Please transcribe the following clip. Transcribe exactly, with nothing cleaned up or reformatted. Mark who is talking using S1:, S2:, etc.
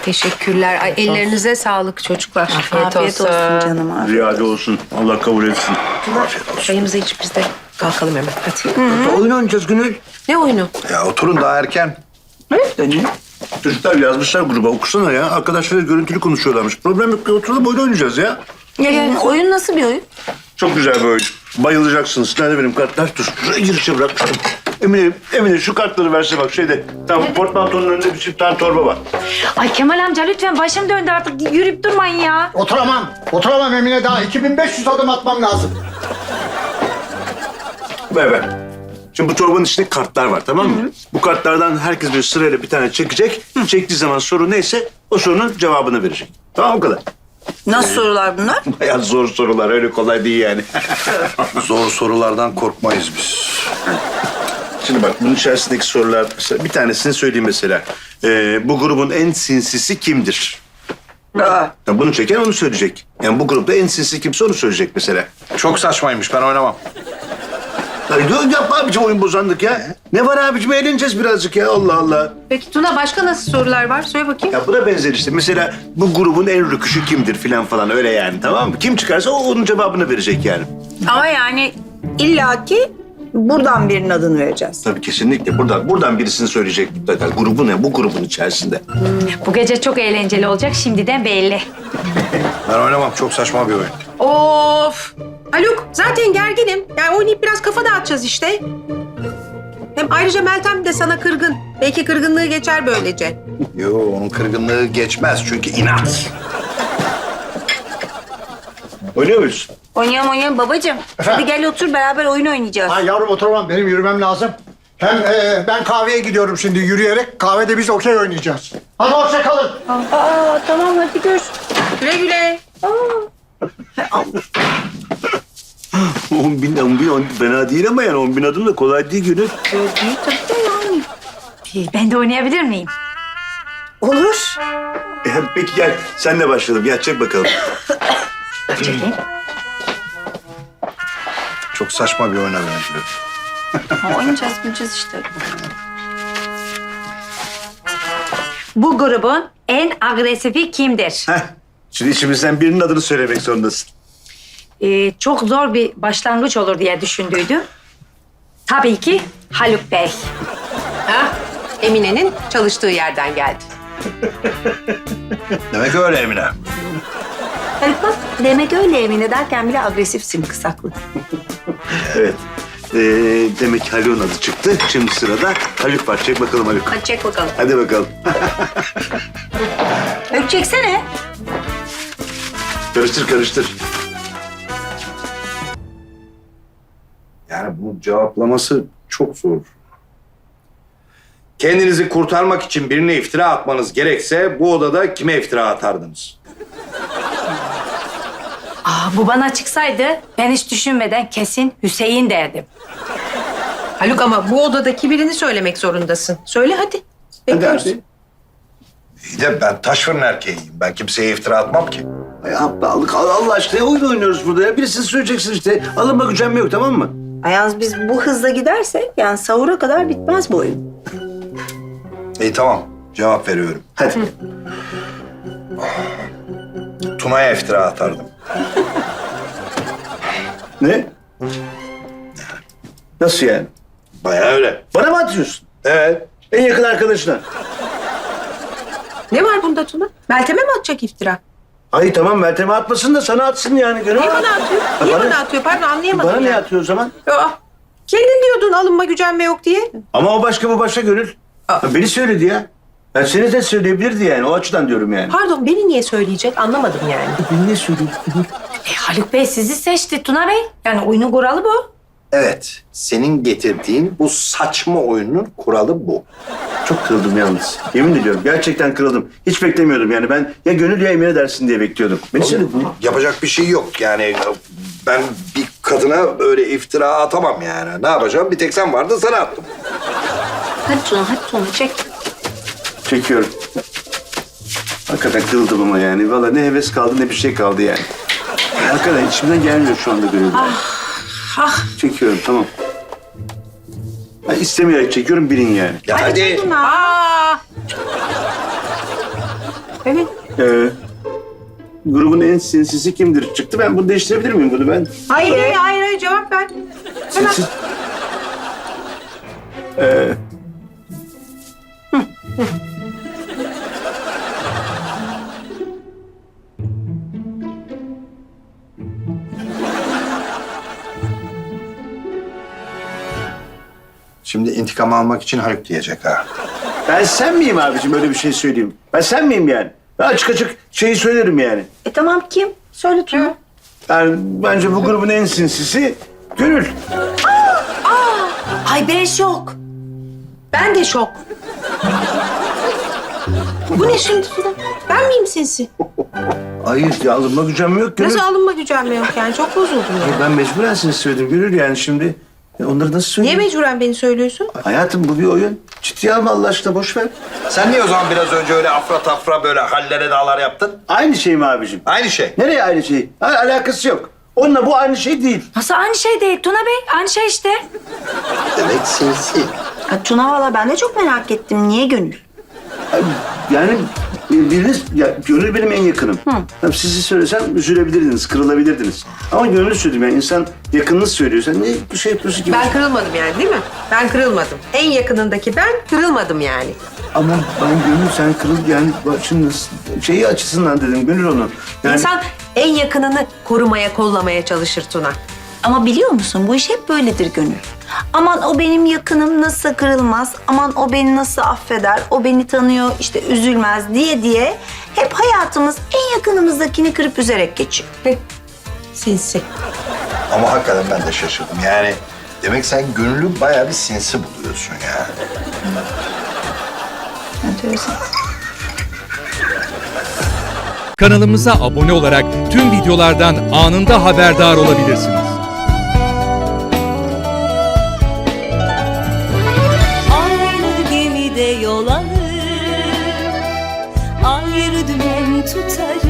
S1: Teşekkürler. Ay, ellerinize sağlık çocuklar.
S2: Afiyet, afiyet olsun. olsun canım. Afiyet.
S3: Ziyade olsun. Allah kabul etsin.
S4: Afiyet olsun.
S1: Çayımızı içip biz de kalkalım hemen. Hadi.
S3: Hı. Oyun oynayacağız Gönül.
S1: Ne oyunu?
S4: Ya oturun daha erken.
S2: Evet dönüyor.
S3: Çocuklar yazmışlar gruba. Okusana ya. Arkadaşlar görüntülü konuşuyorlarmış. Problem yok. Oturalım oyun oynayacağız ya.
S2: Ya, ya, oyun nasıl bir oyun?
S3: Çok güzel bir oyun. Bayılacaksınız. Nerede benim kartlar? Dur. Şuraya girişe bırakmıştım. Emine, Emine şu kartları verse bak şeyde. Tamam portmantonun önünde bir çift tane torba var.
S5: Ay Kemal amca lütfen başım döndü artık yürüyüp durmayın ya.
S6: Oturamam. Oturamam Emine daha. iki bin beş yüz adım atmam lazım.
S3: Ver ver. Şimdi bu torbanın içinde kartlar var tamam mı? Bu kartlardan herkes bir sırayla bir tane çekecek. Çektiği zaman soru neyse o sorunun cevabını verecek. Tamam o kadar.
S2: Nasıl sorular bunlar?
S3: Bayağı zor sorular öyle kolay değil yani.
S4: Zor sorulardan korkmayız biz.
S3: Şimdi bak bunun içerisindeki sorular mesela bir tanesini söyleyeyim mesela. Ee, bu grubun en sinsisi kimdir?
S2: Aa,
S3: Ya bunu çeken onu söyleyecek. Yani bu grupta en sinsi kimse onu söyleyecek mesela.
S4: Çok saçmaymış ben oynamam.
S3: Ya yok yapma abicim oyun bozandık ya. Ne var abicim eğleneceğiz birazcık ya Allah Allah.
S1: Peki Tuna başka nasıl sorular var? Söyle bakayım.
S3: Ya buna benzer işte. Mesela bu grubun en rüküşü kimdir filan falan öyle yani tamam mı? Kim çıkarsa o onun cevabını verecek yani.
S2: ama yani illaki buradan birinin adını vereceğiz.
S3: Tabii kesinlikle. Buradan buradan birisini söyleyecek mutlaka. Grubun ne? Bu grubun içerisinde.
S5: Bu gece çok eğlenceli olacak şimdiden belli.
S4: Ben oynamam. Çok saçma bir oyun.
S1: Of! Haluk zaten gerginim. Yani oynayıp biraz kafa dağıtacağız işte. Hem ayrıca Meltem de sana kırgın. Belki kırgınlığı geçer böylece.
S4: Yo onun kırgınlığı geçmez çünkü inat.
S3: Oynuyor muyuz?
S5: Oynayalım oynayalım babacığım. Hadi gel otur beraber oyun oynayacağız.
S6: Ha yavrum oturamam. Benim yürümem lazım. Hem e, ben kahveye gidiyorum şimdi yürüyerek. Kahvede biz okey oynayacağız. Hadi hoşça kalın.
S5: Aa tamam hadi gör.
S1: Güle güle.
S3: On bin, on bin, on bin fena değil ama yani on bin adım da kolay değil Gönül.
S5: Ben de oynayabilir miyim?
S2: Olur.
S3: E, hadi peki gel sen de başlayalım. Gel çek bakalım.
S5: Çekeyim.
S4: Çok saçma bir oyuna benziyor.
S2: Ha, oynayacağız, oynayacağız işte.
S5: Bu grubun en agresifi kimdir?
S3: Heh. Şimdi içimizden birinin adını söylemek zorundasın.
S5: Ee, çok zor bir başlangıç olur diye düşündüydüm. Tabii ki Haluk Bey.
S1: Ha? Emine'nin çalıştığı yerden geldi.
S4: Demek öyle Emine.
S2: Haluk bak demek öyle Emine derken bile agresifsin kısaklı.
S3: Evet. Ee, demek ki Haluk'un adı çıktı. Şimdi sırada Haluk var. Çek bakalım Haluk.
S2: Hadi çek bakalım.
S3: Hadi bakalım.
S2: Haluk çeksene.
S3: Karıştır karıştır.
S4: Yani bu cevaplaması çok zor. Kendinizi kurtarmak için birine iftira atmanız gerekse bu odada kime iftira atardınız?
S5: Aa, bu bana çıksaydı ben hiç düşünmeden kesin Hüseyin derdim.
S1: Haluk ama bu odadaki birini söylemek zorundasın. Söyle hadi.
S3: Hadi
S1: Bekliyoruz.
S3: hadi.
S4: İyi de ben taş fırın erkeğiyim. Ben kimseye iftira atmam ki.
S3: Ay aptallık. Allah Allah aşkına oyun oynuyoruz burada ya. Birisini söyleyeceksin işte. Alınma gücenme yok tamam mı?
S2: Ayaz biz bu hızla gidersek yani sahura kadar bitmez bu oyun.
S4: İyi tamam. Cevap veriyorum.
S3: Hadi.
S4: Tuna'ya iftira atardım.
S3: Ne? Nasıl yani?
S4: Bayağı öyle.
S3: Bana mı atıyorsun?
S4: Evet.
S3: En yakın arkadaşına.
S1: Ne var bunda Tuna? Meltem'e mi atacak iftira?
S3: Hayır tamam Meltem'e atmasın da sana atsın yani. Gönül.
S1: Niye bana atıyor? Niye
S3: bana-
S1: bana atıyor? Pardon anlayamadım.
S3: Bana ne
S1: yani.
S3: atıyor o zaman?
S1: Aa, kendin diyordun alınma gücenme yok diye.
S3: Ama o başka bu başka Gönül.
S1: Aa.
S3: Ya beni söyledi ya. Ben seni de söyleyebilirdi yani. O açıdan diyorum yani.
S1: Pardon beni niye söyleyecek anlamadım yani.
S3: Beni ne söyledi?
S5: E, Haluk Bey sizi seçti Tuna Bey. Yani oyunun kuralı bu.
S4: Evet. Senin getirdiğin bu saçma oyunun kuralı bu.
S3: Çok kırıldım yalnız. Yemin ediyorum gerçekten kırıldım. Hiç beklemiyordum yani. Ben ya Gönül ya Emine dersin diye bekliyordum. Beni söyledi.
S4: Yapacak bir şey yok yani. Ben bir kadına öyle iftira atamam yani. Ne yapacağım? Bir tek sen vardın sana attım.
S2: Hadi Tuna hadi Tuna çek.
S3: Çekiyorum. Hakikaten kırıldım ama yani. Vallahi ne heves kaldı ne bir şey kaldı yani. Hakikaten içimden gelmiyor şu anda Gönül.
S1: Ah
S3: Çekiyorum tamam. Ben istemeyerek çekiyorum bilin yani.
S4: Ya hadi.
S1: Aa, Evet.
S3: Ee, grubun en sinsisi kimdir? Çıktı. Ben bunu değiştirebilir miyim bunu ben?
S1: Hayır, hayır, hayır, hayır cevap ver. Hemen.
S3: Sinsi... Ee,
S4: Şimdi intikam almak için Haluk diyecek ha.
S3: ben sen miyim abicim öyle bir şey söyleyeyim? Ben sen miyim yani? Ben açık açık şeyi söylerim yani.
S2: E tamam kim? Söyle Tuna.
S3: Yani bence bu grubun en sinsisi Gönül.
S2: Ay ben şok.
S1: Ben de şok. Bu ne şimdi Tuna? Ben miyim sinsi?
S3: Hayır ya alınma gücüm yok Gönül.
S1: Nasıl alınma gücenme yok yani? Çok bozuldum ya.
S3: Ben mecburen sinsi söyledim Gönül yani şimdi. Ya onları nasıl
S1: Niye
S3: söyleyeyim?
S1: mecburen beni söylüyorsun?
S3: Hayatım bu bir oyun. Ciddiye alma Allah aşkına boş ver.
S4: Sen niye o zaman biraz önce öyle afra tafra böyle hallere dağlar yaptın?
S3: Aynı şey mi abicim?
S4: Aynı şey.
S3: Nereye aynı şey? Ha, alakası yok. Onunla bu aynı şey değil.
S5: Nasıl aynı şey değil Tuna Bey? Aynı şey işte.
S4: Demek sinsi.
S2: Ha, Tuna valla ben de çok merak ettim. Niye Gönül?
S3: Yani biriniz, ya Gönül benim en yakınım. Tabii sizi söylesem üzülebilirdiniz, kırılabilirdiniz. Ama Gönül söyledim yani insan yakınını söylüyor. Sen ne bir şey yapıyorsun gibi.
S1: Ben kırılmadım yani değil mi? Ben kırılmadım. En yakınındaki ben kırılmadım yani.
S3: Ama ben Gönül sen kırıl yani bak şimdi nasıl- şeyi açısından dedim Gönül onu. Yani
S1: İnsan en yakınını korumaya, kollamaya çalışır Tuna.
S2: Ama biliyor musun bu iş hep böyledir Gönül. Aman o benim yakınım nasıl kırılmaz, aman o beni nasıl affeder, o beni tanıyor işte üzülmez diye diye hep hayatımız en yakınımızdakini kırıp üzerek geçiyor.
S1: Sinsi.
S4: Ama hakikaten ben de şaşırdım. Yani demek sen Gönül'ü bayağı bir sinsi buluyorsun ya.
S2: Enteresan.
S7: Kanalımıza abone olarak tüm videolardan anında haberdar olabilirsiniz.
S8: Aynı gemide yol alır, ayrı dümen tutarız.